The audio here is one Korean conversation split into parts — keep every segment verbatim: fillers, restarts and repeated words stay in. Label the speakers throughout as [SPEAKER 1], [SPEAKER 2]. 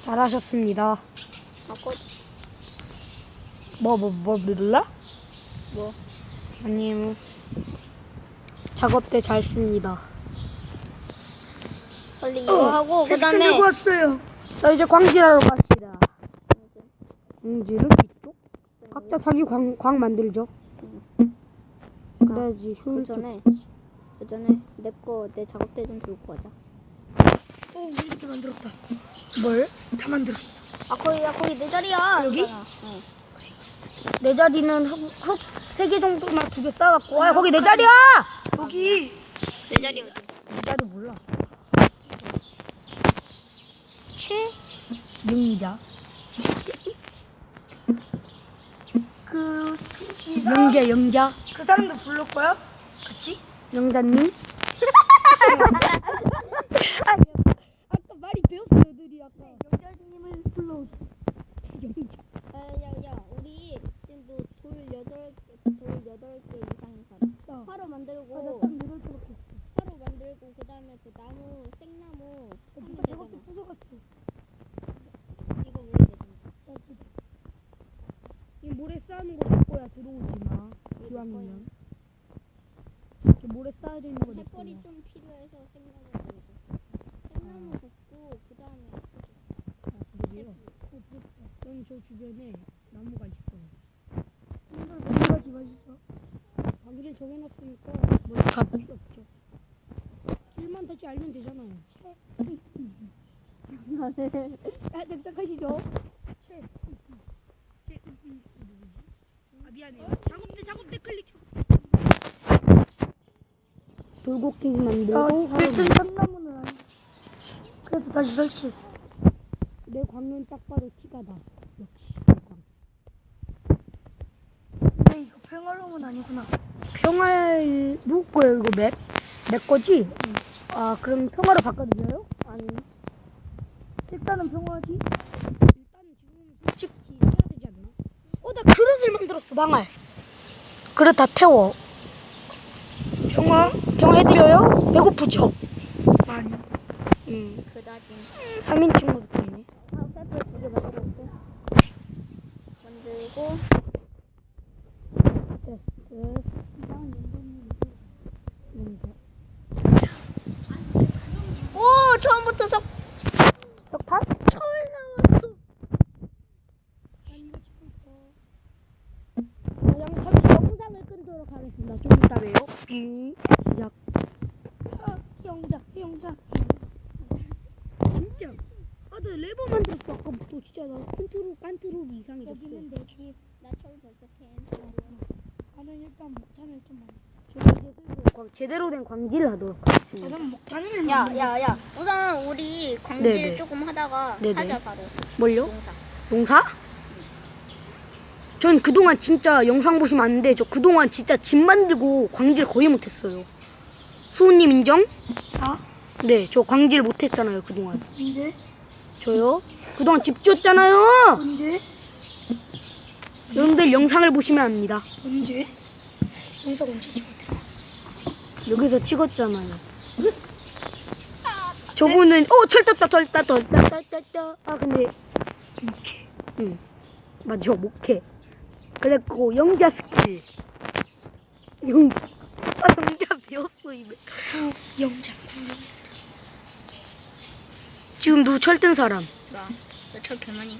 [SPEAKER 1] 잘하셨습니다.
[SPEAKER 2] 아까
[SPEAKER 1] 뭐 뭐 뭐 눌러?
[SPEAKER 2] 뭐?
[SPEAKER 1] 아니요. 작업대 잘 씁니다.
[SPEAKER 2] 빨리 이거 하고
[SPEAKER 3] 제 스킨
[SPEAKER 2] 그다음에
[SPEAKER 3] 들고 왔어요.
[SPEAKER 1] 자 이제 광질하러 갑시다. 광질은 이쪽? 각자 자기 광, 광 만들죠. 그래야지
[SPEAKER 2] 그
[SPEAKER 1] 효율적.
[SPEAKER 2] 전에 그 전에 내 거 내 작업대 좀 들고 가자.
[SPEAKER 3] 오, 우리 이렇게 만들었다.
[SPEAKER 1] 뭘?
[SPEAKER 3] 다 만들었어.
[SPEAKER 2] 아 거기야 거기 내 자리야.
[SPEAKER 3] 여기?
[SPEAKER 2] 응.
[SPEAKER 1] 내 자리는 흙 세 개 정도만 두 개 쌓아갖고. 아 거기 내 자리야!
[SPEAKER 3] 여기
[SPEAKER 2] 내 자리 어디?
[SPEAKER 1] 내 자리 몰라.
[SPEAKER 2] 최?
[SPEAKER 1] 영자.
[SPEAKER 3] 그, 이 사람,
[SPEAKER 1] 영자 영자.
[SPEAKER 3] 그 사람도 부를 거야? 같이?
[SPEAKER 1] 영자님. 아까 말이 배웠어 애들이 아까.
[SPEAKER 3] 영자님을 불러.
[SPEAKER 1] 영자.
[SPEAKER 2] 야야야 우리 지금 돌 여덟 개돌 여덟 개 이상 살아. 화로 만들고 화로 만들고 그 다음에 그 나무 생나무 하면 되잖아.
[SPEAKER 3] 부숴갔어.
[SPEAKER 2] 이거 우리 되잖아.
[SPEAKER 1] 이 모래 쌓는 거 내 거야. 들어오지 마. 기왕이면. 이 모래 쌓여져 있는 거 내 거야.
[SPEAKER 2] 햇벌이 좀 필요해서 생나무 들고 생나무 굽고 그 다음에
[SPEAKER 1] 아, 그러게요. 저는 저 주변에 나무가 있어요.
[SPEAKER 3] 이걸 몇 가지 마시죠.
[SPEAKER 1] 가기를 정해놨으니까 뭐 갈 필요 없죠. 길만 다시 알면 되잖아요. 아, 납작하시죠? 채. 채. 아, 미안해요. 작업대, 작업대 클릭. 돌고기 만들고
[SPEAKER 3] 아, 일등 삼나무는 아니지. 그래서 다시 설치했어.
[SPEAKER 1] 내 광면 딱 봐도 티가 나. 역시 내 광.
[SPEAKER 3] 근데 이거 평화로움은 아니구나.
[SPEAKER 1] 평활 누구 거예요 이거 맵? 내 거지? 아 그럼 평화로 바꿔드려요?
[SPEAKER 2] 아니
[SPEAKER 3] 일단은 평화지.
[SPEAKER 1] 일단은 지금 솔직히 해야 되지 않나? 어 나 그릇을 만들었어 망할. 그릇 다 태워.
[SPEAKER 3] 평화?
[SPEAKER 1] 평화해드려요? 배고프죠?
[SPEAKER 3] 아니.
[SPEAKER 1] 응.
[SPEAKER 2] 그다지
[SPEAKER 1] 삼 인 친구도 있네.
[SPEAKER 2] 아 햇벌 두개 만들었고 만들고
[SPEAKER 1] 테스트.
[SPEAKER 2] 오 처음부터 석
[SPEAKER 1] 석탄?
[SPEAKER 2] 철 나왔어.
[SPEAKER 1] 그냥 잠시 영상을 끊도록 하겠습니다. 좀 이따 봬요. 빙. 시작.
[SPEAKER 3] 아, 영자, 영자.
[SPEAKER 1] 진짜. 아, 나 레버 만들었어. 아까부터 진짜 나 컨트롤, 컨트롤 이상이 됐어.
[SPEAKER 2] 여기는 내 집. 나 철 벌써 캔.
[SPEAKER 3] 나는 일단 목탄을 좀 만들.
[SPEAKER 1] 저는 이제 슬슬 광- 제대로 된 광질을 하도록 하겠습니다.
[SPEAKER 3] 저는 목탄을
[SPEAKER 2] 야,
[SPEAKER 3] 만들.
[SPEAKER 2] 야, 야. 우선 우리 광질
[SPEAKER 1] 네네.
[SPEAKER 2] 조금 하다가
[SPEAKER 1] 네네.
[SPEAKER 2] 하자 바로.
[SPEAKER 1] 뭘요?
[SPEAKER 2] 농사.
[SPEAKER 1] 농사? 전 그동안 진짜 영상 보시면 아는데 저 그동안 진짜 집 만들고 광질 거의 못했어요. 수호님 인정?
[SPEAKER 3] 아?
[SPEAKER 1] 네, 저 광질 못했잖아요 그동안.
[SPEAKER 3] 근데
[SPEAKER 1] 저요? 그동안 집 지었잖아요.
[SPEAKER 3] 언제?
[SPEAKER 1] 여러분들 영상을 보시면 압니다.
[SPEAKER 3] 언제? 영상 언제 찍었대?
[SPEAKER 1] 여기서 찍었잖아요. 저분은 어 철 떴다 철 떴다 철 떴다 철 떴다. 아 근데 목해. 응 맞죠 목해. 그랬고 영자 스킬. 영. 아 영자 배웠어 이제.
[SPEAKER 3] 구영장 구영장.
[SPEAKER 1] 지금 누구 철 뜬 사람?
[SPEAKER 2] 나. 나철 개많이.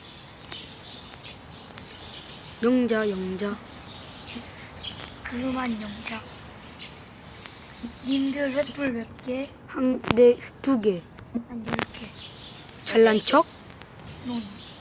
[SPEAKER 1] 영자 영자.
[SPEAKER 3] 그만 영장. 님들 횃불 몇 개?
[SPEAKER 1] 한 네 두 개.
[SPEAKER 3] 한 열 개.
[SPEAKER 1] 잘난 척.
[SPEAKER 3] 논.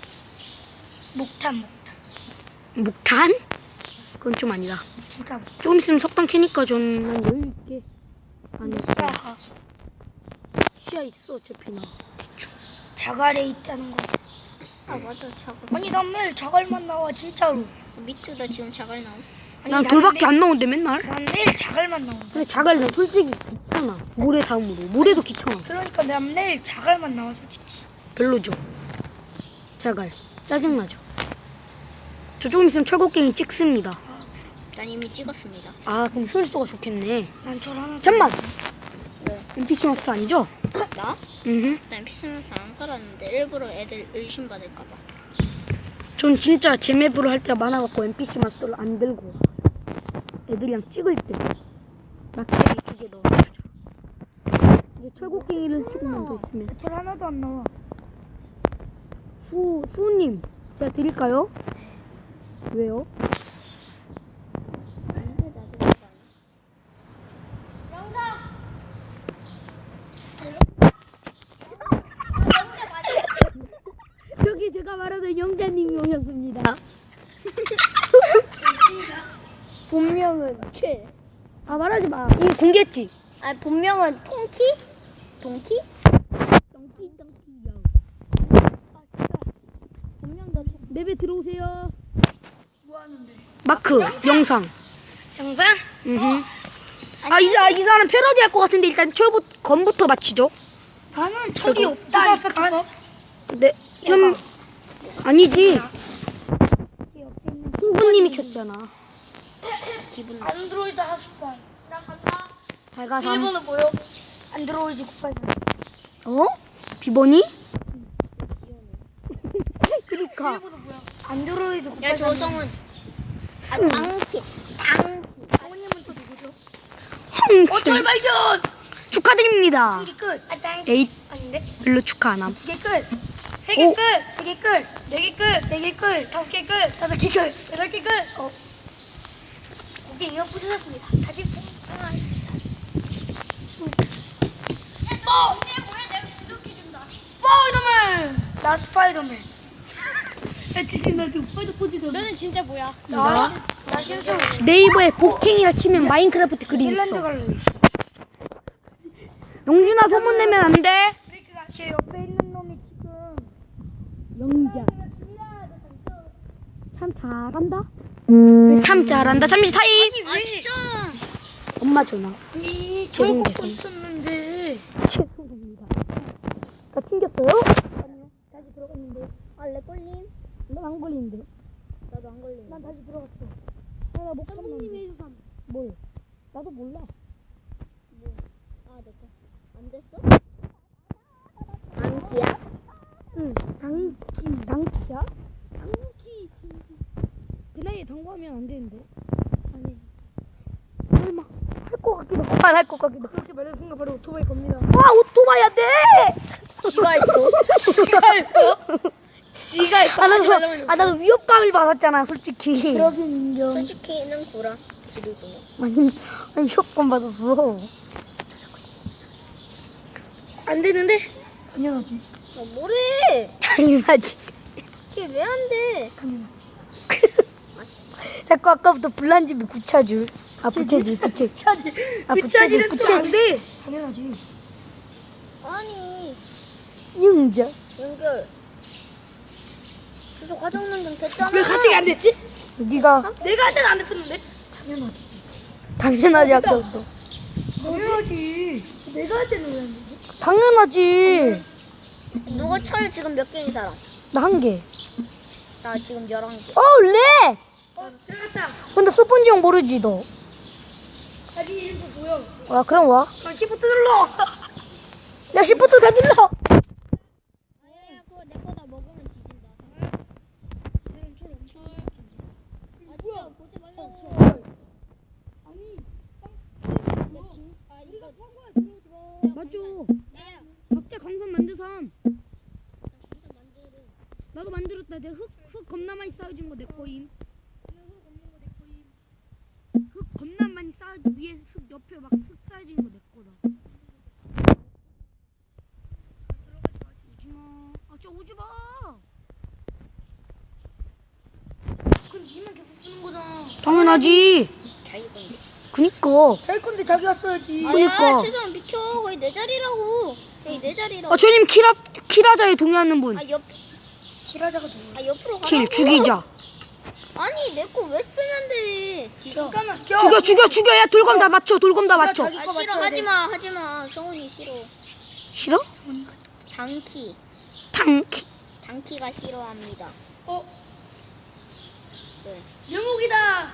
[SPEAKER 3] 목탄 목탄.
[SPEAKER 1] 목탄? 그건 좀 아니다.
[SPEAKER 3] 진짜 목.
[SPEAKER 1] 조금 있으면 석탄 캐니까 좀난 여유 있게 안 했어.
[SPEAKER 3] 목타가
[SPEAKER 1] 시야 있어 어차피 나.
[SPEAKER 3] 자갈에 있다는 거.
[SPEAKER 2] 아 맞아 자갈.
[SPEAKER 3] 아니 난 매일 자갈만 나와 진짜로.
[SPEAKER 2] 밑에 나 지금 자갈 나옴.
[SPEAKER 3] 아니,
[SPEAKER 1] 난
[SPEAKER 3] 나는
[SPEAKER 1] 돌밖에
[SPEAKER 3] 매-
[SPEAKER 1] 안 나오는데 맨날.
[SPEAKER 3] 난 매일 자갈만 나온다.
[SPEAKER 1] 근데 자갈 난 솔직히 귀찮아. 모래 다음으로. 모래도 귀찮아.
[SPEAKER 3] 그러니까 난 매일 자갈만 나와 솔직히.
[SPEAKER 1] 별로죠. 자갈. 짜증나죠. 저 조금 있으면 철곡갱이 찍습니다.
[SPEAKER 2] 난 이미 찍었습니다.
[SPEAKER 1] 아 그럼 효율도가 좋겠네.
[SPEAKER 3] 난 절 하나.
[SPEAKER 1] 잠만.
[SPEAKER 2] 네.
[SPEAKER 1] 엔피씨 마스터 아니죠?
[SPEAKER 2] 나?
[SPEAKER 1] 음.
[SPEAKER 2] 난 피스면서 안 깔았는데 일부러 애들 의심받을까봐.
[SPEAKER 1] 전 진짜 제 맵으로 할 때가 많아갖고 엔피씨 마스터를 안 들고 와요. 애들이랑 찍을 때 막대기 두 개 넣어가지고. 이제 철곡갱이를 조금만 더 있으면.
[SPEAKER 3] 절 하나도 안 나와.
[SPEAKER 1] 수 수님 제가 드릴까요? 왜요? 저기 제가 말하던 영자님이 오셨습니다.
[SPEAKER 2] 본명은 최.
[SPEAKER 1] 아 말하지 마. 이미 공개했지.
[SPEAKER 2] 아 본명은 통키? 동키?
[SPEAKER 1] 덩키 덩키요.
[SPEAKER 2] 본명도 최.
[SPEAKER 1] 맵에 들어오세요.
[SPEAKER 3] 뭐 하는데?
[SPEAKER 1] 마크 영상.
[SPEAKER 3] 영상?
[SPEAKER 1] 음. 아이 사, 이 사람 패러디 할 것 같은데 일단 철부 검부터 맞히죠.
[SPEAKER 3] 나는 철이
[SPEAKER 1] 저거
[SPEAKER 3] 없다니까.
[SPEAKER 1] 네. 현 아니지. 후보님이 켰잖아.
[SPEAKER 2] 기분 나.
[SPEAKER 3] 안드로이드 핫스팟.
[SPEAKER 1] 잘 가. 삼.
[SPEAKER 3] 일본은 뭐요? 안드로이드 구십팔.
[SPEAKER 1] 어? 비번이? 그니까.
[SPEAKER 3] 일본은 뭐야? 안드로이드 구십팔.
[SPEAKER 2] 야 조성은. 아 당키. 당.
[SPEAKER 3] 아버님은 또 누구죠?
[SPEAKER 1] 어,
[SPEAKER 3] 절 발견!
[SPEAKER 1] 축하드립니다.
[SPEAKER 3] 세 개 끝. 아, 땅.
[SPEAKER 1] 에잇
[SPEAKER 3] 아닌데?
[SPEAKER 1] 별로 축하 안 함.
[SPEAKER 3] 두 개 끝. 세
[SPEAKER 1] 개 오.
[SPEAKER 3] 끝. 세 개 끝. 네 개 끝. 네 개 끝. 다섯 개 끝. 다섯 개 끝. 여덟 개 끝. 어. 고개 이어 부서졌습니다. 사진 생성하겠습니다. 어! 스파이더맨! 나 스파이더맨.
[SPEAKER 1] 야 지금 나 지금 스파이더 포지션.
[SPEAKER 2] 너는 진짜 뭐야?
[SPEAKER 3] 나? 나 신수.
[SPEAKER 1] 네이버에 복행이라 치면 마인크래프트 그림
[SPEAKER 3] 핀란드
[SPEAKER 1] 있어.
[SPEAKER 3] 갈래.
[SPEAKER 1] 용준아 소문 내면 안 돼.
[SPEAKER 3] 제 옆에 있는 놈이 지금
[SPEAKER 1] 영자. 참 잘한다. 참 잘한다. 잠시 타임.
[SPEAKER 2] 아 진짜.
[SPEAKER 1] 엄마 전화.
[SPEAKER 3] 아니 저
[SPEAKER 1] 죄송,
[SPEAKER 3] 먹고
[SPEAKER 1] 죄송.
[SPEAKER 3] 있었는데
[SPEAKER 1] 죄송합니다. 다 튕겼어요?
[SPEAKER 3] 아니요 다시 들어갔는데
[SPEAKER 2] 알레 꼴림.
[SPEAKER 1] 넌안 걸리는데.
[SPEAKER 2] 나도 안 걸림.
[SPEAKER 3] 난 다시 들어갔어.
[SPEAKER 1] 나못 갔는데. 뭘? 나도 몰라.
[SPEAKER 2] 아 됐다. 안 됐어? 당키야?
[SPEAKER 1] 응. 당키. 당키야? 당키. 그 나이에 당구하면 안 되는데. 아니. 설마 할 것 같기도 하고 안 할 것 같기도 하고.
[SPEAKER 3] 그렇게 말하는 순간 바로 오토바이 겁니다.
[SPEAKER 1] 아 오토바이 안 돼!
[SPEAKER 2] 지가 했어.
[SPEAKER 3] 지가 했어? 지가 했어.
[SPEAKER 1] 아 나도, 아 나도 위협감을 받았잖아 솔직히.
[SPEAKER 3] 그러긴 인정.
[SPEAKER 2] 솔직히는 구라. 지르구나.
[SPEAKER 1] 아니, 아니 위협감 받았어.
[SPEAKER 3] 안 되는데? 당연하지.
[SPEAKER 2] 아 뭐래?
[SPEAKER 1] 당연하지.
[SPEAKER 2] 이게 왜 안 돼?
[SPEAKER 3] 당연하지.
[SPEAKER 1] 자꾸 아까부터 불난 집에 부채줄. 아 부채줄 부채.
[SPEAKER 3] 부차지.
[SPEAKER 1] 아,
[SPEAKER 3] 부차지는
[SPEAKER 1] 부차지,
[SPEAKER 3] 또 안 돼. 당연하지.
[SPEAKER 2] 아니
[SPEAKER 1] 영자.
[SPEAKER 2] 연결. 주소 가져오는 좀 됐잖아.
[SPEAKER 3] 왜 갑자기 안 됐지?
[SPEAKER 1] 네가
[SPEAKER 3] 내가 할 때는 안 됐었는데. 당연하지.
[SPEAKER 1] 당연하지 아까부터.
[SPEAKER 3] 당연하지. 내가 할 때는 왜 안 되지?
[SPEAKER 1] 당연하지.
[SPEAKER 2] 누가 철 지금 몇 개인 사람?
[SPEAKER 1] 나 한 개.
[SPEAKER 2] 나 지금 열한 개.
[SPEAKER 1] 어, 렉!
[SPEAKER 3] 어 들어갔다.
[SPEAKER 1] 근데 스폰지 형 모르지, 너.
[SPEAKER 3] 아니 이런 거 보여.
[SPEAKER 1] 아, 그럼 와.
[SPEAKER 3] 아 시프트 눌러.
[SPEAKER 1] 야, 시프트 다 눌러!
[SPEAKER 2] 아야 그거 내 거다 먹으면 뒤진다. 아 진짜 보지 말라고.
[SPEAKER 3] 아니.
[SPEAKER 2] 아 이거
[SPEAKER 1] 맞죠?
[SPEAKER 2] 나야.
[SPEAKER 1] 각자 강선 만든 사람.
[SPEAKER 2] 진짜 만들어.
[SPEAKER 1] 나도 만들었다. 내가 흙, 흙 겁나 많이 쌓아준 거 내 거임. 흙 겁나 많이 쌓아, 위에 흙 옆에 막 흙 쌓아진 거 내 거다. 오지마. 아, 진짜 오지마.
[SPEAKER 3] 그럼 니만 계속 쓰는 거잖아.
[SPEAKER 1] 당연하지.
[SPEAKER 2] 자기 건데.
[SPEAKER 1] 그니까.
[SPEAKER 3] 자기 건데 자기가 써야지.
[SPEAKER 1] 그러니까.
[SPEAKER 2] 아야 최소한 비켜. 거의 내 자리라고. 거의 내 자리라고.
[SPEAKER 1] 아, 저님 키라, 키라자에 동의하는 분.
[SPEAKER 2] 아 옆.
[SPEAKER 3] 키라자가 누구야?
[SPEAKER 2] 아 옆으로 가라고.
[SPEAKER 1] 킬, 죽이자.
[SPEAKER 2] 아니 내 거 왜 쓰는데?
[SPEAKER 3] 죽여.
[SPEAKER 1] 죽여, 죽여, 죽여. 야, 돌검 다 맞춰. 돌검 다 맞춰.
[SPEAKER 3] 자기
[SPEAKER 2] 아
[SPEAKER 3] 거
[SPEAKER 2] 싫어
[SPEAKER 3] 맞춰야 돼.
[SPEAKER 2] 하지마 하지마. 성훈이 싫어.
[SPEAKER 1] 싫어?
[SPEAKER 3] 성훈이가
[SPEAKER 2] 당키.
[SPEAKER 1] 탕.
[SPEAKER 2] 당키가 싫어합니다.
[SPEAKER 3] 어
[SPEAKER 2] 네.
[SPEAKER 3] 영옥이다.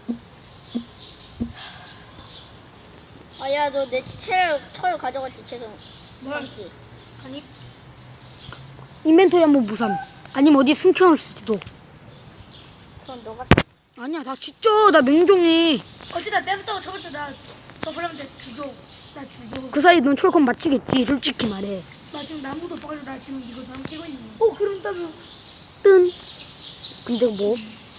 [SPEAKER 2] 아야 너 내 철 철 가져갔지 최성.
[SPEAKER 3] 뭘?
[SPEAKER 2] 당키.
[SPEAKER 3] 아니
[SPEAKER 1] 인벤토리 한번 무삼. 아니면 어디 숨겨놓을 수도.
[SPEAKER 2] 그럼 너가
[SPEAKER 1] 아니야, 나 진짜 나 맹종이.
[SPEAKER 3] 어쨌든 내부터 저부터 나너 그러면 죽여. 나 죽여.
[SPEAKER 1] 그 사이 넌 철권 맞히겠지, 솔직히 말해.
[SPEAKER 3] 나 지금 나무도 써가지고 나 지금 이거 나무 끼고 있는 거. 어 그럼 따면
[SPEAKER 1] 뜬. 근데 뭐?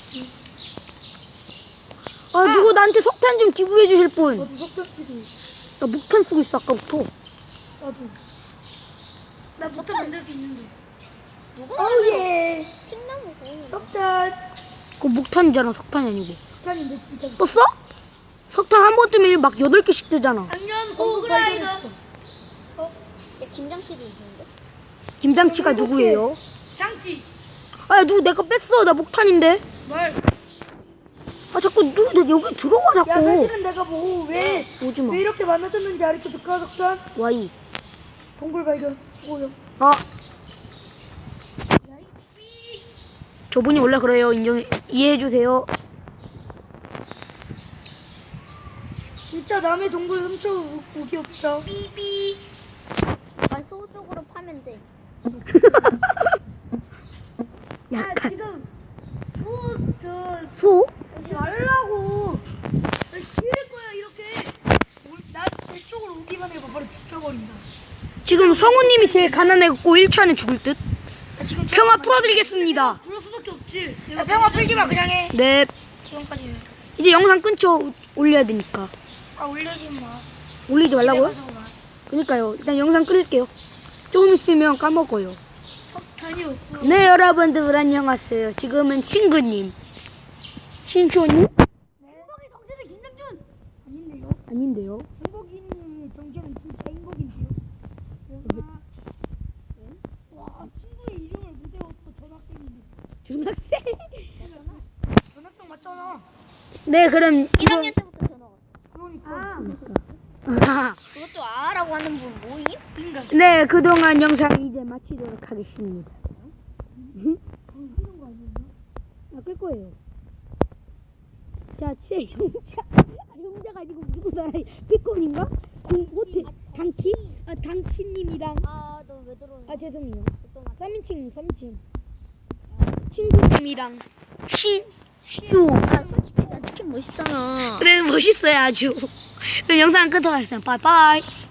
[SPEAKER 1] 아, 누구 나한테 석탄 좀 기부해 주실 분.
[SPEAKER 3] 나도 석탄 끼고.
[SPEAKER 1] 나 목탄 쓰고 있어, 아까부터.
[SPEAKER 3] 나도. 나 석탄 만들 수 있는데.
[SPEAKER 2] 누구?
[SPEAKER 3] 어예.
[SPEAKER 2] 생나무고.
[SPEAKER 3] 석탄.
[SPEAKER 1] 그거 목탄이잖아, 석탄이 아니고.
[SPEAKER 3] 석탄인데 진짜.
[SPEAKER 1] 또 써? 석탄 한 번 뜨면 막 여덟 개씩 뜨잖아.
[SPEAKER 3] 작년 호그라이더. 어
[SPEAKER 2] 야 김장치도 있는데.
[SPEAKER 1] 김장치가 누구예요?
[SPEAKER 3] 장치.
[SPEAKER 1] 아, 누구 내거 뺐어. 나 목탄인데.
[SPEAKER 3] 뭘?
[SPEAKER 1] 아, 자꾸 누구 내 여기 들어와,
[SPEAKER 3] 야
[SPEAKER 1] 자꾸.
[SPEAKER 3] 사실은 내가 뭐 왜 왜
[SPEAKER 1] 오지 마.
[SPEAKER 3] 이렇게 만들었는지 알겠어. 조카 석탄.
[SPEAKER 1] 와이.
[SPEAKER 3] 동굴 발견. 오요.
[SPEAKER 1] 아. 저분이 원래 그래요. 인정, 이해해 주세요.
[SPEAKER 3] 진짜 남의 동굴 훔쳐 오기 없다.
[SPEAKER 2] 삐삐. 아 소쪽으로 파면 돼.
[SPEAKER 3] 야
[SPEAKER 1] 약간.
[SPEAKER 3] 지금 소저
[SPEAKER 1] 소?
[SPEAKER 3] 하지 말라고. 나 싫을 거야 이렇게. 나내 쪽으로 오기만 해봐 바로 죽여버린다.
[SPEAKER 1] 지금 성우님이 제일 가난해갖고 일 초 안에 죽을 듯.
[SPEAKER 3] 나 지금
[SPEAKER 1] 평화 풀어드리겠습니다.
[SPEAKER 3] 그럴 수밖에 없지. 야 평화 풀지 마 그냥 해.
[SPEAKER 1] 네.
[SPEAKER 3] 지금까지 해.
[SPEAKER 1] 이제 영상 끊죠. 올려야 되니까.
[SPEAKER 3] 아 올리지 마.
[SPEAKER 1] 올리지 말라고요?
[SPEAKER 3] 집에 가서 봐.
[SPEAKER 1] 그니까요. 일단 영상 끊을게요. 조금 있으면 까먹어요.
[SPEAKER 3] 석탄이 없어.
[SPEAKER 1] 네, 여러분들 안녕하세요. 지금은 친구님. 신촌님?
[SPEAKER 3] 행복이 정체는 김정준. 아닌데요?
[SPEAKER 1] 아닌데요.
[SPEAKER 3] 행복이는 정체는 진짜 행복인데요. 와 친구의 이름을 못 외웠어 전학생인데.
[SPEAKER 1] 중학생?
[SPEAKER 3] 전학생 맞잖아.
[SPEAKER 1] 네, 그럼
[SPEAKER 2] 일
[SPEAKER 1] 이거.
[SPEAKER 2] 학년 때부터 전화 왔어.
[SPEAKER 3] 그러니까.
[SPEAKER 1] 아,
[SPEAKER 2] 그것도 아라고 하는 분 모임?
[SPEAKER 3] 인간.
[SPEAKER 1] 네, 그동안 영상 이제 마치도록 하겠습니다. 응?
[SPEAKER 3] 방귀는 거 아니었나?
[SPEAKER 1] 아, 끌 거예요. 자, 제 용자. 아, 용자가 아니고 누구 나라 피콘인가? 공 호텔 당키? 아, 당키님이랑.
[SPEAKER 2] 아 너 왜 들어오냐?
[SPEAKER 1] 아, 죄송해요.
[SPEAKER 2] 또 맞-
[SPEAKER 1] 삼인칭, 삼인칭. 친구님이랑 신수.
[SPEAKER 2] 아 솔직히 나 치킨 멋있잖아.
[SPEAKER 1] 그래, 멋있어요, 아주. 그럼 영상 끊도록 하겠습니다. 바이바이.